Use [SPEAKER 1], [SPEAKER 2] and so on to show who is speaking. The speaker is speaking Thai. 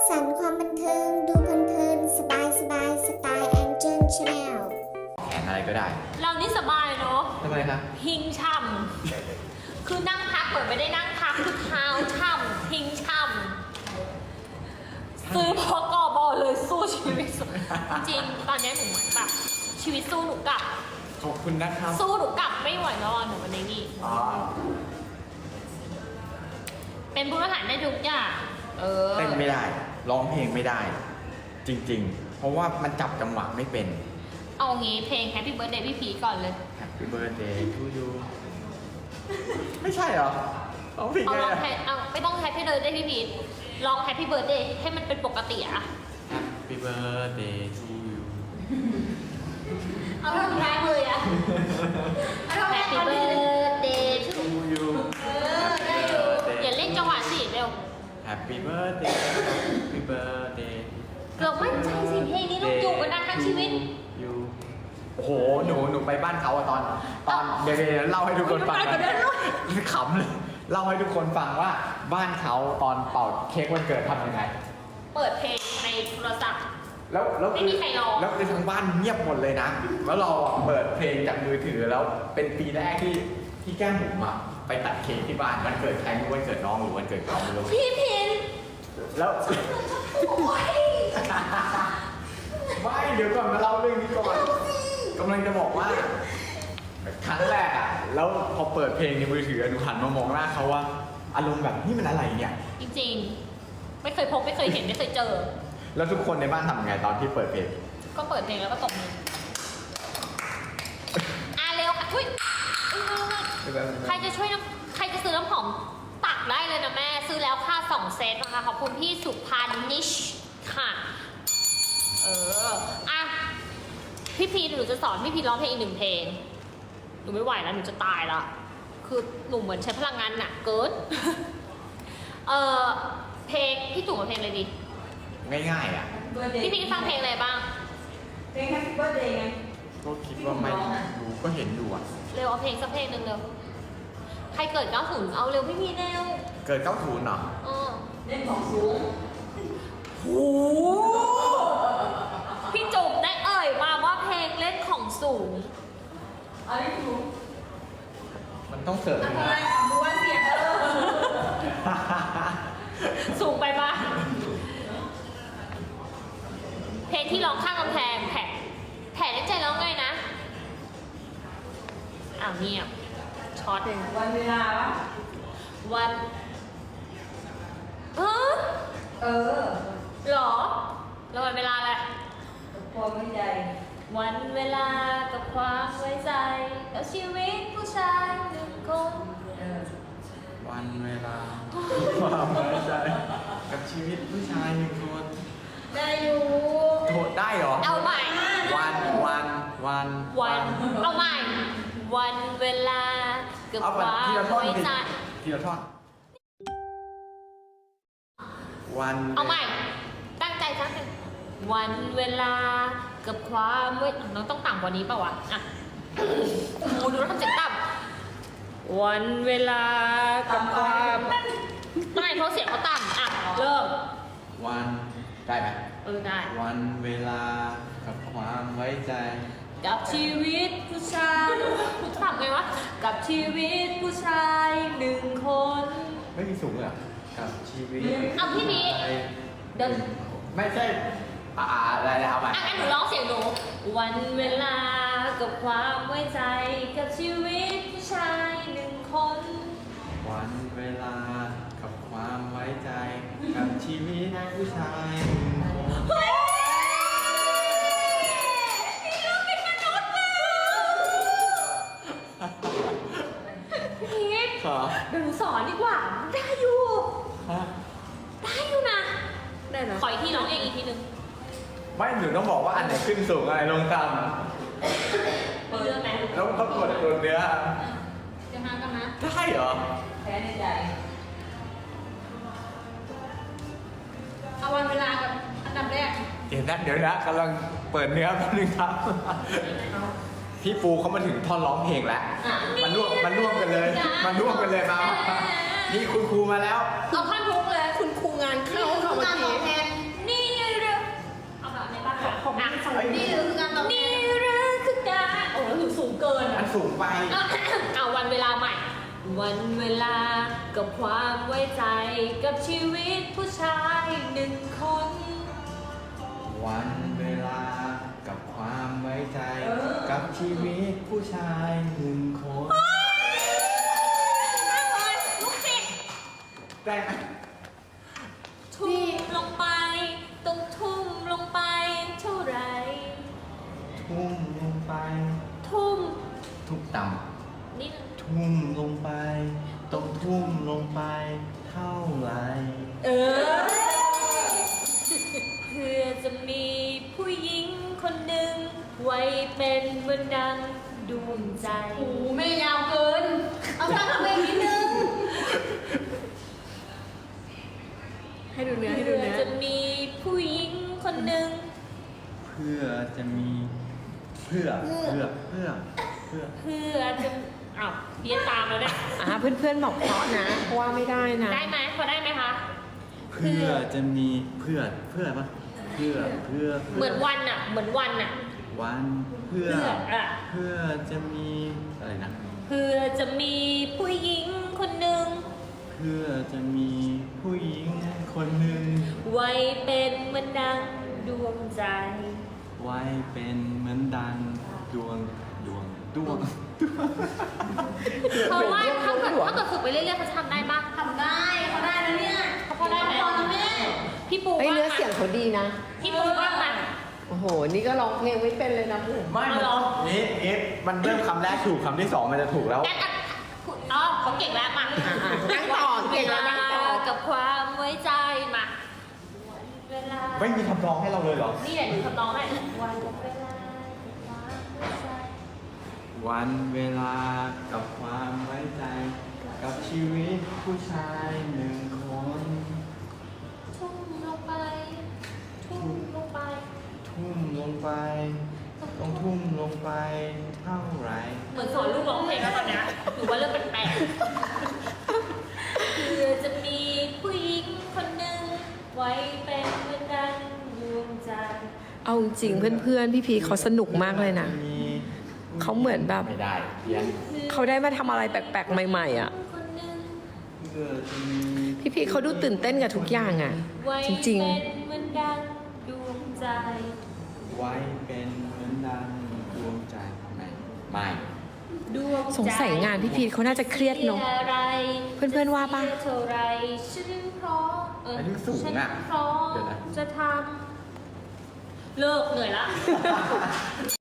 [SPEAKER 1] สรรค์ความบันเทิงดูเพลินๆสบายสไตล์แองเจิลชาแนล
[SPEAKER 2] แขนอะไรก็ได้
[SPEAKER 3] เรานี่สบายเนาะ
[SPEAKER 2] ทำไมครับ
[SPEAKER 3] พิงช่ำคือนั่งพักเหมือนไม่ได้นั่งพักคือเท้าช่ำพิงช่ำซื้อพอกอบอเลยสู้ชีวิตจริงตอนนี้หนูเหมือนแบบชีวิตสู้หนูกลับ
[SPEAKER 2] ขอบคุณนะครับ
[SPEAKER 3] สู้หนูกลับไม่ไหวแล้วหนูวันนี้นี่เป็นผู้บริหารได้ทุกอย่าง
[SPEAKER 2] เต้นไม่ได้ร้องเพลงไม่ได้ จริงๆเพราะว่ามันจับจังหวะไม่เป็น
[SPEAKER 3] เอางี้เพลง Happy Birthday พี่พีก่อนเลย
[SPEAKER 2] Happy Birthday to you ไม่ใช่เหรอร้องเพลงไง
[SPEAKER 3] เอาไม่ต้อง Happy Birthday พี่พีร้อง Happy Birthday ให้มันเป็นปกติอะ
[SPEAKER 2] Happy Birthday to you
[SPEAKER 3] เอาท่อนแรกเลยอะ Happy Birthday to
[SPEAKER 2] you
[SPEAKER 3] ได้อยู่อย่าเล่นจังหวะสิเร็ว
[SPEAKER 2] Happy Birthday Happy Birthday
[SPEAKER 3] เกือบมั่นใจสิเพลงนี้ต้องอยู่กันนานทั้งชีวิต
[SPEAKER 2] โอ้โหหนูไปบ้านเขาตอนเดี๋ยวเล่าให้ทุกคนฟังขำเลยเล่าให้ทุกคนฟังว่าบ้านเขาตอนเป่าเค้กวันเกิดทำยังไง
[SPEAKER 3] เปิดเพลงในโทรศัพท์
[SPEAKER 2] แล้ว
[SPEAKER 3] ไม่มีใครร้อง
[SPEAKER 2] แล้วในทั้งบ้านเงียบหมดเลยนะแล้วเราเปิดเพลงจากมือถือแล้วเป็นปีแรกที่แก้มบุ๋มไปตัดเค้กที่บ้านวันเกิดใครไม่รู้วันเกิดน้องหรือวันเกิดเขาไม่รู้
[SPEAKER 3] พี่พิน
[SPEAKER 2] แล้วไม่เดี๋ยวก่อนมาเล่าเรื่องนี้ก่อนกำลังจะบอกว่าครั้งแรกแล้วพอเปิดเพลงในมือถือหนูหันมามองหน้าเขาว่าอารมณ์แบบนี่มันอะไรเนี่ย
[SPEAKER 3] จริงๆไม่เคยพบไม่เคยเห็นไม่เคยเจอ
[SPEAKER 2] แล้วทุกคนในบ้านทำไงตอนที่เปิดเพลง
[SPEAKER 3] ก็เปิดเพลงแล้วก็ตบมือเร็วค่ะทุยใครจะช่วยใครจะซื้อน้ำหอมตักได้เลยนะแม่ซื้อแล้วค่า2เซตนะคะขอบคุณพี่สุพรรณนิชค่ะพี่พีหนูจะสอนพี่พีร้องเพลงอีก1เพลงหนูไม่ไหวแล้วหนูจะตายแล้วคือหนูเหมือนใช้พลังงานหนักเกินเพลงพี่จุ๋มเพลงอะไรดี
[SPEAKER 2] ง่าย
[SPEAKER 3] พี่พีฟังเพลงอะไรบ้าง
[SPEAKER 4] เพลง Happy Birthday ไง
[SPEAKER 2] ก็คิดว่าไม่รู้ก็เห็นดู
[SPEAKER 3] เร็วเอาเพลงสักเพลงหนึ่งเร็วใครเกิด90เอาเร็วพี่พีเร็ว
[SPEAKER 2] เกิด90เหรอ
[SPEAKER 4] เล่นของสูง
[SPEAKER 3] โอ้พี่จุ๋มได้มาว่าเพลงเล่นของสูง
[SPEAKER 4] อะไรสูง
[SPEAKER 2] มันต้องเสริม
[SPEAKER 4] นะดูว่าเสียง
[SPEAKER 3] สูงไปปะเพลงที่ร้องข้างกำแพงแผ่ในใจร้องไงนะเงียบช็อต
[SPEAKER 4] วันเวลา
[SPEAKER 3] วันหรอแล้ววันเวลาอะไร
[SPEAKER 4] ความไว้ใจ
[SPEAKER 3] วันเวลากับความไว้ใจกับชีวิตผู้ชาย1คน
[SPEAKER 2] วันเวลาความไว้ใจกับชีวิตผู้ชาย1คน
[SPEAKER 3] ได้อยู่
[SPEAKER 2] โทษได้เหรอ
[SPEAKER 3] เอาใหม่
[SPEAKER 2] วัน
[SPEAKER 3] เอาใหม่วันเวลากับความไว้ใจ
[SPEAKER 2] ทีละท่อนวัน
[SPEAKER 3] เอาใหม่ตั้งใจทั้งนึงวันเวลากับความไว้น้องต้องต่ำกว่านี้ป่าวะดูแล้วทำเสียงต่ำวันเวลากับความไม่เพราะเสียงเขาต่ำเริ่ม
[SPEAKER 2] วันได้ไหม
[SPEAKER 3] ได้
[SPEAKER 2] วันเวลากับความไว้ใจ
[SPEAKER 3] กับชีวิตผู้ชายทำไงวะกับชีวิตผู้ชาย1คน
[SPEAKER 2] ไม่มีสูงเลยกับชีวิต
[SPEAKER 3] พี่บีเดิน
[SPEAKER 2] ไม่ใช่อะไรแล้วเอาไป
[SPEAKER 3] งั้นหนูร้องเสียงหนูวันเวลากับความไว้ใจกับชีวิตผู้ชาย1คน
[SPEAKER 2] วันเวลากับความไว้ใจกับชีวิตผู้ชาย1คน
[SPEAKER 3] เดี๋ยวหนูสอนดีกว่าได้อยู่นะได้นะขออีกทีร้องเองอีกทีนึง
[SPEAKER 2] ไม่หนูต้องบอกว่าอันไหนขึ้นสูงอะไรลงต่ำ
[SPEAKER 3] เลือกไหม
[SPEAKER 2] แล้วก็กดตัวเนื้อ
[SPEAKER 3] จะมากันนะ
[SPEAKER 2] ได้เหรอ
[SPEAKER 4] แพ้ในใจ
[SPEAKER 3] เอาวันเวลากับอันดับแรก
[SPEAKER 2] เดี๋ยวนะกำลังเปิดเนื้อแป๊บนึงครับพี่ปูเขามาถึงท่อนร้องเพลงแล้วมันร่วมกันเลยมานี่คุณครูมาแล้ว
[SPEAKER 3] เอาท่อนทุกเลย
[SPEAKER 4] คุณครูงานเข้าค่ะเมื่อกี้
[SPEAKER 3] วันเวลากับความไว้ใจกับชีวิตผู้ชายหนึ่งคน
[SPEAKER 2] วันเวลากับความไว้ใจกับชีวิตผู้ชายหนึ่งคน
[SPEAKER 3] นั่งเลยลุกสิ
[SPEAKER 2] ได้ไหม
[SPEAKER 3] ทุ่มลงไปต้องทุ่มลงไปเท่าไหร
[SPEAKER 2] ทุ่มลงไป
[SPEAKER 3] ทุ่ม
[SPEAKER 2] ทุกต่
[SPEAKER 3] นิดนึง
[SPEAKER 2] ำทุ่มลงไปต้องทุ่มลงไปเท่าไหร
[SPEAKER 3] เพื่อจะมีผู้หญิงคนหนึ่งไว้เป็นเหมือนดังดวงใจ
[SPEAKER 4] โอ้ไม่ยาวเกิน เอาตั้งทำเองนิดนึง ให้ดูเนื้อให้ดู
[SPEAKER 3] เพื่อ
[SPEAKER 4] เนื้อ
[SPEAKER 3] จะมีผู้หญิงคนหนึ่ง
[SPEAKER 2] เพื่อจะมีเพื่อจะ
[SPEAKER 3] อ้าวเบียร์ตามแล้วเนี่ย
[SPEAKER 5] เพื่อนๆบอกเพราะนะเพราะว่าไม่ได้นะ
[SPEAKER 3] ได้ไหมพอได้ไหมคะ
[SPEAKER 2] เพื่อจะมีเพื่ออะไรปะเพื่อ
[SPEAKER 3] เหมือนวันอะเหมือนวันอะ
[SPEAKER 2] วันเพื่อ
[SPEAKER 3] อะ
[SPEAKER 2] เพื่อจะมีอะไรนะ
[SPEAKER 3] เพื่อจะมีผู้หญิงคนหนึ่ง
[SPEAKER 2] เพื่อจะมีผู้หญิงคนหนึ่ง
[SPEAKER 3] ไว้เป็นเหมือนดังดวงใจ
[SPEAKER 2] ไว้เป็นเหมือนดังดวง
[SPEAKER 3] เพราะว่าถ้าเกิดฝึกไปเรื่อยๆเขาจะทำได้ปะ
[SPEAKER 4] ทำได้เขาได้แล้วเนี่ย
[SPEAKER 3] เขาได้ไหม
[SPEAKER 4] พอแล้วแม่
[SPEAKER 3] พี่ปู
[SPEAKER 5] เฮ้ย
[SPEAKER 3] ว่า
[SPEAKER 5] เนื้อเสียงเขาดีนะ
[SPEAKER 3] พี่ปูว่ามัน
[SPEAKER 5] โอ้โห นี่ก็ร้องเพลงไม่เป็นเลยนะผม
[SPEAKER 2] ไม่มัน
[SPEAKER 3] เอาเหรอ
[SPEAKER 2] นี่มันเริ่มคำแรกถูกคำที่สองมันจะถูกแล้ว
[SPEAKER 3] งั้นอ่ะอ๋อเขาเก่งแล้วมา
[SPEAKER 5] นั่งต่อเก่งแล้วนั่งต่อ
[SPEAKER 3] กับความไว้ใจมาวันเวลา
[SPEAKER 2] ไม่มีคำร้องให้เราเลยเหรอ
[SPEAKER 3] นี่แหละหนูทำน้องให้วันเวลากับความไว้ใจ
[SPEAKER 2] วันเวลากับความไว้ใจ กับชีวิตผู้ชายหนึ่งคน
[SPEAKER 3] ทุ่มลงไป ทุ่มลงไป
[SPEAKER 2] ทุ่มลงไปต้องทุ่มลงไปเท่าไหร
[SPEAKER 3] เหมือนสอนลูกร้องเพลงแล้วตอนเนี้ยหนูว่าเริ่มแปลกๆเพื่อจะมีผู้หญิงคนหนึ่งไว้เป็นเหมือนดังดวงใจ
[SPEAKER 5] เอาจริงๆเพื่อนๆ พี่พีเขาสนุกมากเลยนะ เขาเหมือนแบบ
[SPEAKER 2] ไม่ได้เพี้ยน
[SPEAKER 5] เขาได้มาทำอะไรแปลกๆ ใหม่ๆอ่ะ
[SPEAKER 3] คนหนึ่ง
[SPEAKER 2] เพื่อจะมี
[SPEAKER 5] พี่พีเขาดูตื่นเต้นกับทุกอย่างอ่ะ
[SPEAKER 3] ไว้
[SPEAKER 5] จริง
[SPEAKER 3] เป็นเหมือนดังดวงใจ
[SPEAKER 2] ไว้เป็นเหมือนดังดวงใจไม่
[SPEAKER 3] ดวงใจ
[SPEAKER 5] สงสัยงานพี่พีเขาน่าจะเครียดเนอะ
[SPEAKER 3] สียอะไร
[SPEAKER 5] เพื่อนๆว่าปะ
[SPEAKER 3] จเสียเท่าไรฉันพร้อม
[SPEAKER 2] อันนี้สูง
[SPEAKER 3] ฉัน
[SPEAKER 2] อ่ะ
[SPEAKER 3] พร้อม
[SPEAKER 2] เดี๋ยวนะ
[SPEAKER 3] จะทำเลิกเหนื่อยละ